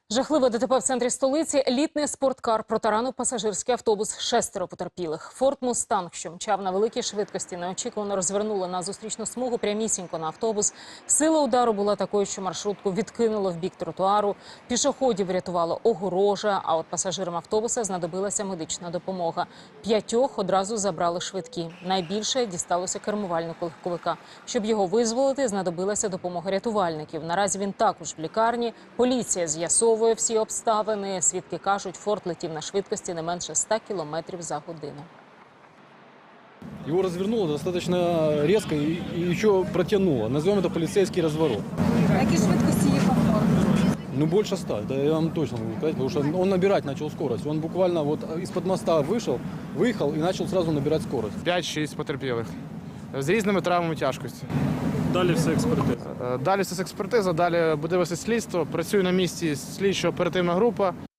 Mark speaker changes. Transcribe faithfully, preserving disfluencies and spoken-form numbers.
Speaker 1: Жахливе ДТП в центрі столиці. Елітний спорткар протаранив пасажирський автобус. Шестеро потерпілих. Форд Мустанг, що мчав на великій швидкості, неочікувано розвернули на зустрічну смугу прямісінько на автобус. Сила удару була такою, що маршрутку відкинуло в бік тротуару. Пішоходів врятувало огорожа, а от пасажирам автобуса знадобилася медична допомога. П'ятьох одразу забрали швидкі. Найбільше дісталося кермувальнику легковика. Щоб його визволити, знадобилася допомога рятувальників. Наразі він також в лікарні. Поліція з'ясовує всі обставини. Свідки кажуть, Форд летів на швидкості не менше ста кілометрів за годину.
Speaker 2: Его развернуло достаточно резко и, и еще протянуло. Назовем это полицейский разворот.
Speaker 3: На якій швидкості їхав Форд?
Speaker 2: Ну, больше ста, да, я вам точно могу сказать, потому что он набирать начал скорость. Он буквально вот из-под моста вышел, выехал и начал сразу набирать скорость.
Speaker 4: п'ять-шість потерпілих з різними травмами тяжкості.
Speaker 5: Далі все експертиза.
Speaker 4: Далі це експертиза, далі буде вести слідство. Працює на місці слідчо-оперативна група.